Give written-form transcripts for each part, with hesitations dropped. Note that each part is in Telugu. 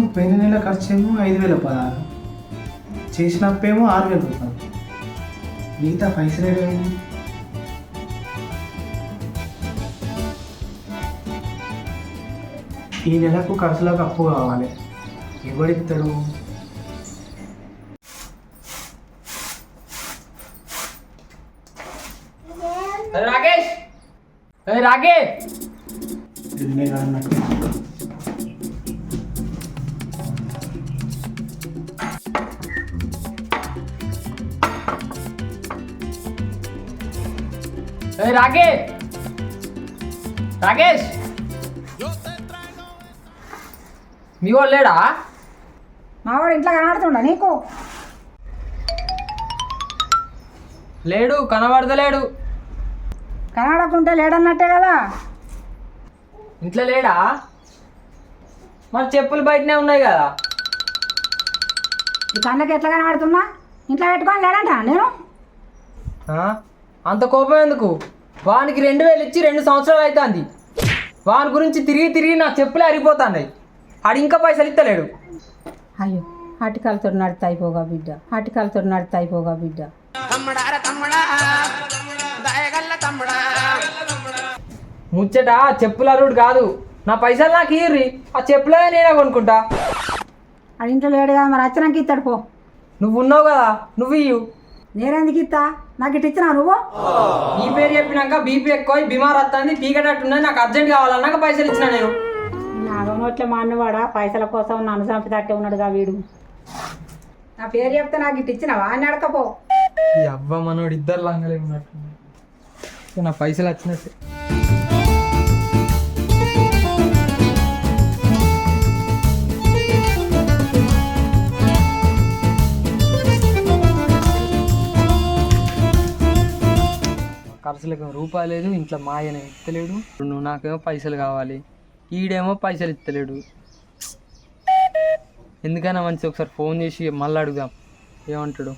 పోయిన నెల ఖర్చు ఏమో 5,016, చేసిన అప్పేమో 6,000 రూపాయలు. మిగతా పైసలు ఏమైంది? ఈ నెలకు ఖర్చులకు అప్పు కావాలి, ఎవడిస్తాడు? రాకేష్, రాకేష్, రాకేష్, రాకేష్, మీ వాడు లేడా? మావాడు ఇంట్లో కనబడుతుండ నీకు? లేడు, కనబడతలేడు. కనబడకుంటే లేడన్నట్టే కదా. ఇంట్లో లేడా? మరి చెప్పులు బయటనే ఉన్నాయి కదా. ఈ కళ్ళకి ఎట్లా కనబడుతున్నా? ఇంట్లో పెట్టుకొని లేడంట నేను. అంత కోపం ఎందుకు? వానికి 2,000 ఇచ్చి 2 సంవత్సరాలు అవుతుంది. వాని గురించి తిరిగి తిరిగి నా చెప్పులే అరిగిపోతున్నాయి. ఆడు ఇంకా పైసలు ఇస్తలేడు. అయ్యో, ఆటికాలతో నడితే అయిపోగా బిడ్డ, ఆటికాలతో నడితే అయిపోగా బిడ్డ. ముచ్చట చెప్పుల అరుడు కాదు, నా పైసలు నాకు ఇయ్యి. ఆ చెప్పులే నేనే కొనుక్కుంటా. అది ఇంట్లో లేడుగా, మరి వచ్చినాక ఇస్తాడు పో. నువ్వు ఉన్నావు కదా, నువ్వు ఇయ్యు. నేనెందుకు ఇస్తా? నాకు ఇట్లా ఇచ్చినా నువ్వు? ఈ పేరు చెప్పినాక బీపీ ఎక్కువ, బీమార్ వస్తుంది, పీకటట్టున్నది, నాకు అర్జెంట్ కావాలన్నాక పైసలు ఇచ్చిన నేను. నాగనోట్లే మా అన్నవాడా పైసల కోసం నన్ను చంపితట్టే ఉన్నాడుగా వీడు. నా పేరు చెప్తే నాకు ఇటు ఇచ్చినావా అని అడకపో. ఈ అవ్వ మనోడు ఇద్దరు లంగలే ఉన్నట్టు. నా పైసలు వచ్చినట్టు. ఖర్చులకు రూపాయి లేదు, ఇంట్లో మా ఆయన ఇస్తలేడు. నువ్వు నాకేమో పైసలు కావాలి, ఈడేమో పైసలు ఇస్తలేడు. ఎందుకైనా మంచి ఒకసారి ఫోన్ చేసి మళ్ళీ అడుగుదాం ఏమంటాడు.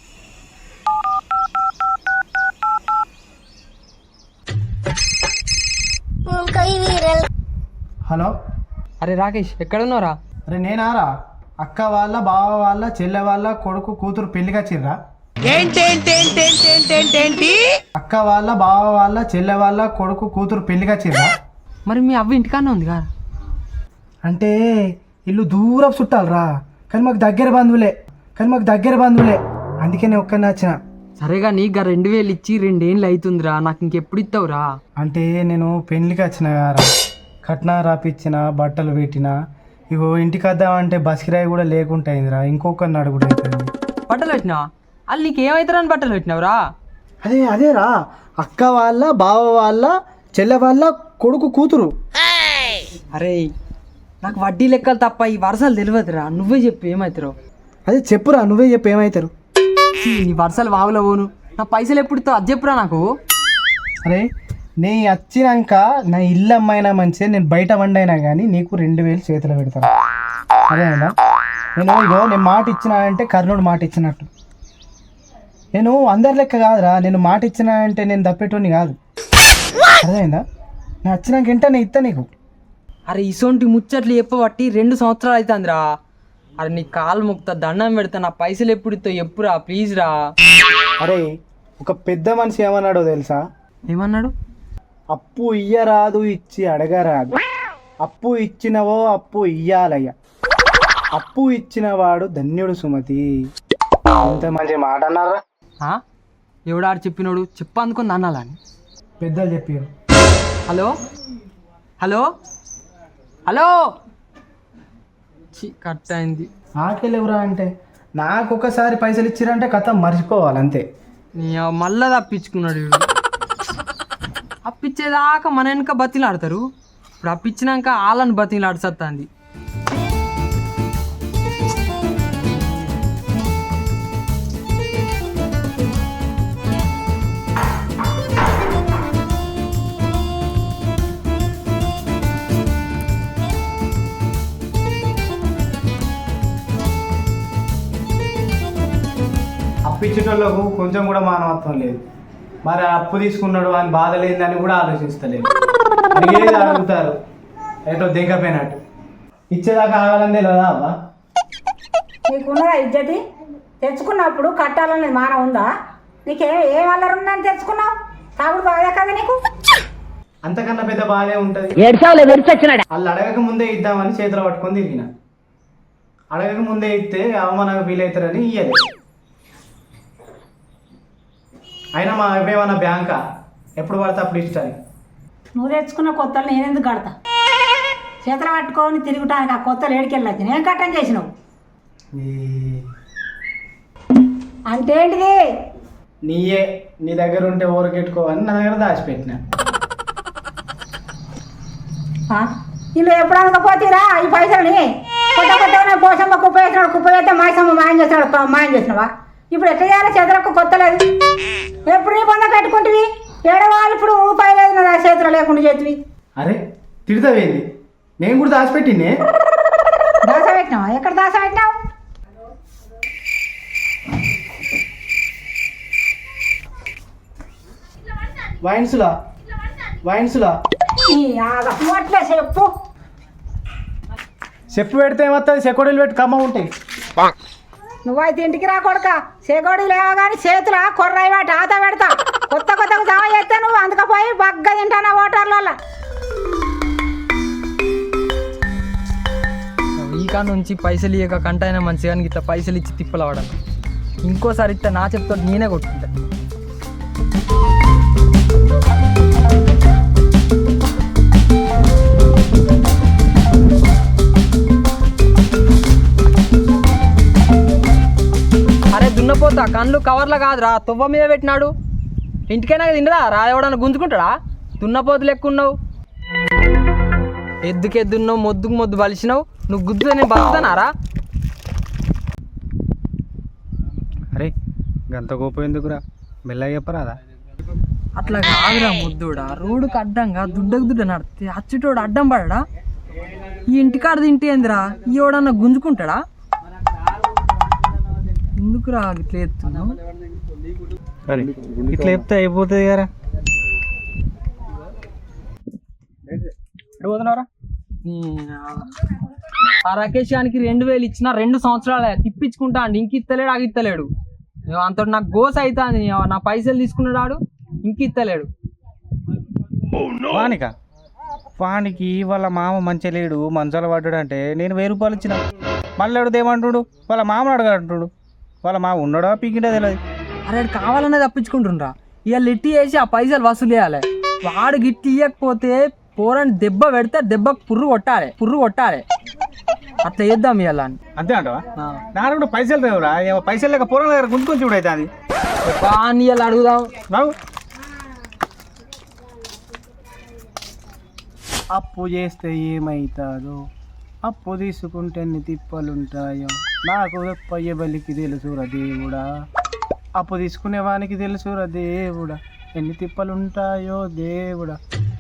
హలో, అరే రాకేష్, ఎక్కడున్నారా? అరే నేనారా, అక్క వాళ్ళ బావ వాళ్ళ చెల్లె వాళ్ళ కొడుకు కూతురు పెళ్లికి వచ్చిర్రా. అక్క వాళ్ళ బావ వాళ్ళ చెల్లె వాళ్ళ కొడుకు కూతురు పెళ్లికి వచ్చిర్రా. మరి మీ అవ్వ ఇంటికానే ఉంది కదా? అంటే ఇల్లు దూరం చుట్టాలరా, కానీ మాకు దగ్గర బంధువులే, అందుకే నేను ఒక్కరిని వచ్చిన. సరేగా, నీకు 2,000 ఇచ్చి 2 ఏళ్ళు అవుతుందిరా, నాకు ఇంకెప్పుడు ఇస్తావురా? అంటే నేను పెళ్లికి వచ్చిన కదా, కట్నా రాపిచ్చిన, బట్టలు పెట్టిన, ఇగో ఇంటికి వద్దామంటే బస్ కిరాయి కూడా లేకుంటాయిందిరా, ఇంకొకరిని అడుగుడు అవుతుంది. బట్టలు పెట్టినావా? వాళ్ళు నీకేమవుతారని బట్టలు పెట్టినావురా? అదేరా అక్క వాళ్ళ బావ వాళ్ళ చెల్లె వాళ్ళ కొడుకు కూతురు. అరే నాకు వడ్డీ లెక్కలు తప్ప ఈ వరుసలు తెలియదురా, నువ్వే చెప్పు ఏమవుతారో. అదే చెప్పురా, నువ్వే చెప్పు ఏమవుతారు. నీ వరుసలు వాగులో పోను, నా పైసలు ఎప్పుడు ఇస్తావు అది చెప్పురా నాకు. అరే నీ వచ్చినాక నా ఇల్లు అమ్మాయినా మంచిదే, నేను బయట వండైనా కానీ నీకు 2,000 చేతిలో పెడతాను. అదేనా? నేను మాట ఇచ్చినా అంటే కర్ణుడు మాట ఇచ్చినట్టు. నేను అందరి లెక్క కాదురా, నేను మాట ఇచ్చినా అంటే నేను తప్పేటోని కాదు. అదేనా? నేను వచ్చినాక వెంటనే ఇస్తా నీకు. అరే ఇసోంటి ముచ్చట్లు చెప్పబట్టి 2 సంవత్సరాలు అవుతుందిరా. అరే నీ కాలు ముక్త దండం పెడతా, నా పైసలు ఎప్పుడు ఇస్తావు ఎప్పురా, ప్లీజ్ రా. అరే ఒక పెద్ద మనిషి ఏమన్నాడో తెలుసా? ఏమన్నాడు? అప్పు ఇయ్యరాదు, ఇచ్చి అడగరాదు. అప్పు ఇచ్చినవో అప్పు ఇయ్యాలయ్య, అప్పు ఇచ్చినవాడు ధన్యుడు సుమతి. అంత మంచి మాట అన్నారా? ఎవడాడు చెప్పినోడు? చెప్పు అందుకొని అనాలని పెద్దలు చెప్పారు. హలో హలో హలో, కట్ అయింది. నాకెళ్ళెవరా అంటే, నాకు ఒకసారి పైసలు ఇచ్చిరంటే కథ మర్చిపోవాలి అంతే. మళ్ళా తప్పించుకున్నాడు వీడు. అప్పిచ్చేదాకా మన వెనక బతిలాడతారు, ఇప్పుడు అప్పిచ్చినాక వాళ్ళని బతిలాడుతుంది. అప్పిచ్చేటోళ్ళకు కొంచెం కూడా మానవత్వం లేదు. మరి అప్పు తీసుకున్నాడు అని బాధ లేదని కూడా ఆలోచిస్తలేదు, అడిగేది అడుగుతారు ఏటో దిగపోయినట్టు. ఇచ్చేదాకా ఆగాలని తెలియదా అవ్వా? నీకున్నదా ఇజ్జతి? తెచ్చుకున్నప్పుడు కట్టాలనేది మానం ఉందా? ఏం అల్లరి ఉందని తెచ్చుకున్నావు? తాగుడు బాగా కదా నీకు? అంతకన్నా పెద్ద బాధే ఉంటుంది. వాళ్ళు అడగక ముందే ఇద్దామని చేతిలో పట్టుకొని తిరిగిన. అడగక ముందే ఇస్తే అవమానంగా ఫీల్ అవుతారని ఇయ్యలే. అయినా మా అవేమన్నా బ్యాంకా ఎప్పుడు పడితే అప్పుడు ఇష్టాన్ని. నువ్వు తెచ్చుకున్న కొత్తలు నేనెందుకు కడతా? చేతులు పట్టుకొని తిరుగుటానికి ఆ కొత్తలు ఏడికెళ్ళచ్చు. నేను కట్టం చేసినావు అంటే ఏంటిది? నీయే నీ దగ్గర ఉంటే ఊరకెట్టుకోవని నా దగ్గర దాచిపెట్టిన. ఇల్లు ఎప్పుడు అనకపోతేరా ఈ పైసలని? కొత్త కొత్త పోసమ్మ కుప్ప వేసినాడు, కుప్ప వేస్తే మాయసమ్మ మాయం చేసినాడు, మాయం చేసినావా? ఇప్పుడు ఎట్లా చేయాలి? చేతులకు కొత్త లేదు. ఎప్పుడు నీ పొంద పెట్టుకుంటువి? ఏడవాళ్ళు ఇప్పుడు రూపాయి లేదు నా చేతులు లేకుండా చేతివి. అరే తిడతావేంది? నేను కూడా దాచిపెట్టినే. దాస పెట్టినావా? ఎక్కడ దాస పెట్టినావు? వైన్స్లా అట్లే చెప్పు. చెప్పు పెడితే ఏమవుతుంది? చెకోడీలు పెట్టి కమ్మ ఉంటాయి. నువ్వైతే ఇంటికి రా కొడుక. చేకోడి లేవా కానీ చేతుల కొర్రాయి వాటి ఆత పెడతా. కొత్త కొత్తగా జమ చేస్తే నువ్వు అందుకపోయి బగ్గ తింటానా ఓటర్ల. ఈకా నుంచి పైసలు ఇయ్యక కంటైనా మంచిగా ఇట్లా పైసలు ఇచ్చి తిప్పలవాడను. ఇంకోసారి ఇస్తే నా చెప్తా నేనే కొట్టుకుంటా. అరే దున్నపోతా కళ్ళు కవర్లో కాదురా తువ్వ మీద పెట్టినాడు. ఇంటికైనా తిండరా రా? ఎవడన్నా గుంజుకుంటాడా? దున్నపోతు లెక్క ఉన్నావు. ఎద్దుకెద్దున్నావు, మొద్దుకు మొద్దు బలిసినావు. నువ్వు గుద్దు నేను బతుకుతానారా? అరే గంత కోపం ఎందుకురా? మెల్లగా చెప్పరాదా? అట్లా కాదురా ముద్దుడా. రోడ్డుకి అడ్డంగా దుడ్డకు దుడ్డ నడితే అచ్చుటోడు అడ్డం పడడా? ఈ ఇంటికాడ తింటే ఏందిరా? ఈ ఎవడన్నా గుంజుకుంటాడా? ఎందుకురా ఇట్లా ఎత్తున్నావు? ఇట్లా చెప్తే అయిపోతుంది కదా. పోతున్నారా? ఆ రాకేష్ గానికి 2000 ఇచ్చిన 2 సంవత్సరాలు తిప్పించుకుంటా అండి. ఇంక ఇత్తలేడు, ఆగిత్తలేడు. అంత నాకు గోస అవుతుంది. నా పైసలు తీసుకున్నాడు, ఇంక ఇత్తలేడు. వానికి వాళ్ళ మామ మంచిగా లేడు, మంచాల పడ్డాడు అంటే నేను 1000 రూపాయలు ఇచ్చిన. మళ్ళీ అడుగుదేమంటుడు? వాళ్ళ మామను అడగంటుడు. వాళ్ళ మామ ఉన్నాడా పీకిండా తెలియదు. అరే కావాలనే తప్పించుకుంటుండ్రా. ఇక లిట్టి వేసి ఆ పైసలు వసూలు చేయాలి. వాడు గిట్టి ఇవ్వకపోతే పోరని దెబ్బ పెడితే దెబ్బకు పుర్రు కొట్టాలి. అట్లా చేద్దాం ఇవాళ. అంతే అంటవా? నా కూడా పైసలు లేవురా. పైసలు లేక పూర్వం దగ్గర గుంజుకొని చూడు అవుతుంది. ఇవాళ అడుగుదాం. బాబు అప్పు చేస్తే ఏమవుతాదో, అప్పు తీసుకుంటే ఎన్ని తిప్పలుంటాయో, నాకు పయ్య బలికి తెలుసురా దేవుడా, అప్పు తీసుకునే వానికి తెలుసురా దేవుడా, ఎన్ని తిప్పలుంటాయో దేవుడా.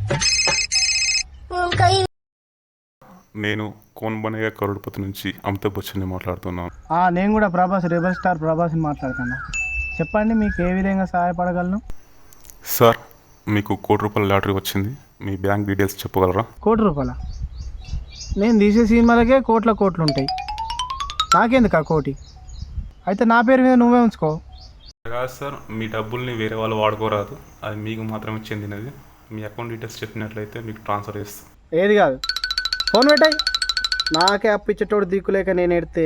నేను కోన్ బనయ్య కరోడ్పతి నుంచి అమితాబ్ బచ్చన్ని మాట్లాడుతున్నాను. నేను కూడా ప్రభాస్, రెబల్ స్టార్ ప్రభాస్ని మాట్లాడుతున్నా. చెప్పండి, మీకు ఏ విధంగా సహాయపడగలను? సార్, మీకు ₹1,00,00,000 లాటరీ వచ్చింది. మీ బ్యాంక్ డీటెయిల్స్ చెప్పగలరా? ₹1,00,00,000? నేను తీసే సినిమాలకే కోట్లు ఉంటాయి. నాకెందుకు ఆ కోటి? అయితే నా పేరు మీద నువ్వే ఉంచుకో. కాదు సార్, మీ డబ్బుల్ని వేరే వాళ్ళు వాడుకోరాదు. అది మీకు మాత్రమే చెందినది. మీ అకౌంట్ డీటెయిల్స్ చెప్పినట్లయితే మీకు ట్రాన్స్ఫర్ చేస్తాం. ఏది కాదు, ఫోన్ పెట్టాయి. నాకే అప్పిచ్చేటోడు దిక్కులేక నేను ఎడితే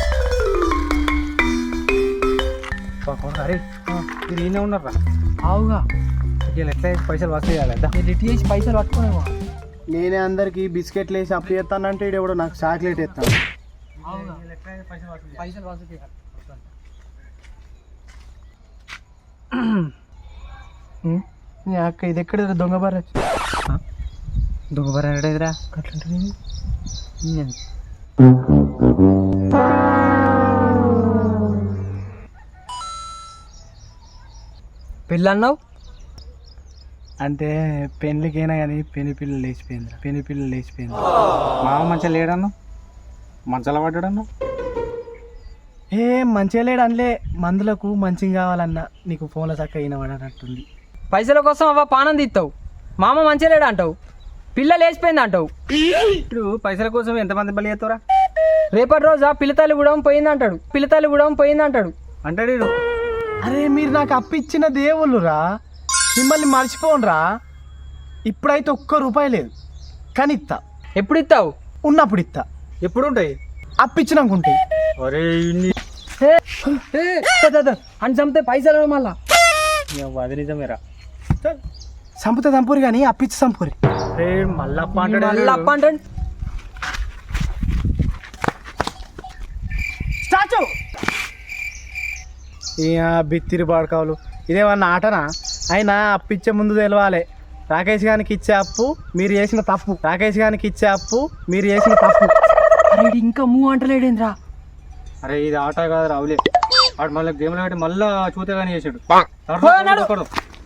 అరే మీరు ఈయనే ఉన్నారా? అవుగా ఎట్లా పైసలు వసూలు చేయాలి? లిట్టి వేసి పైసలు పట్టుకునేవా? నేనే అందరికి బిస్కెట్లు వేసి అప్పు చేస్తానంటే ఇడెవడో నాకు చాక్లెట్ ఇస్తాను. పైసలు వసూలు చేయాలి. అక్క ఇది ఎక్కడ దొంగబార ఎక్కడేదిరా? అట్లంటే పెళ్ళి అన్నావు అంటే పెళ్ళికైనా కానీ పెళ్లి పిల్లలు లేచిపోయింది. మామ మంచిగా లేడన్నా, మంచాల పడ్డాడన్నా. మంచిగా లేడు అనలే, మందులకు మంచిగా కావాలన్నా. నీకు ఫోన్లో చక్క అయిన పడనట్టుంది. పైసల కోసం అవ్వ పానం తీస్తావు. మామ మంచిగా లేడు అంటావు. పిల్ల లేచిపోయింది అంటావు. ఇప్పుడు పైసల కోసం ఎంతమంది బలి చేస్తారా? రేపటి రోజు పిల్లతల్లి కూడా పోయింది అంటాడు. అంటాడు వీడు. అరే మీరు నాకు అప్పిచ్చిన దేవుళ్ళురా, మిమ్మల్ని మర్చిపోనురా. ఇప్పుడైతే ఒక్క రూపాయి లేదు, కానీ ఇస్తా. ఎప్పుడు ఇస్తావు? ఉన్నప్పుడు ఇస్తా. ఎప్పుడు ఉంటాయి? అప్పిచ్చినాకుంటాయి. అరే అని చంపితే పైసలు మళ్ళా. అది నిజమేరా. చంపుతే చంపురి కానీ అప్పిచ్చి చంపురి. రే మల్లప్ప మళ్ళీ అప్ప అంటాడు. స్టాచ్యూ బిత్తిరి బాడకావులు ఇదేమన్నా ఆటనా? అయినా అప్పిచ్చే ముందు తెలవాలి, రాకేష్ గారికి ఇచ్చే అప్పు మీరు చేసిన తప్పు. అరే ఈడు ఇంకా అంటలేడేంద్రా. అరే ఇది ఆట కాదు రావులే. వాడు మళ్ళీ గేమ్లో పెట్టి మళ్ళా చూతే కానీ చేసాడు. పో అన్నాడు.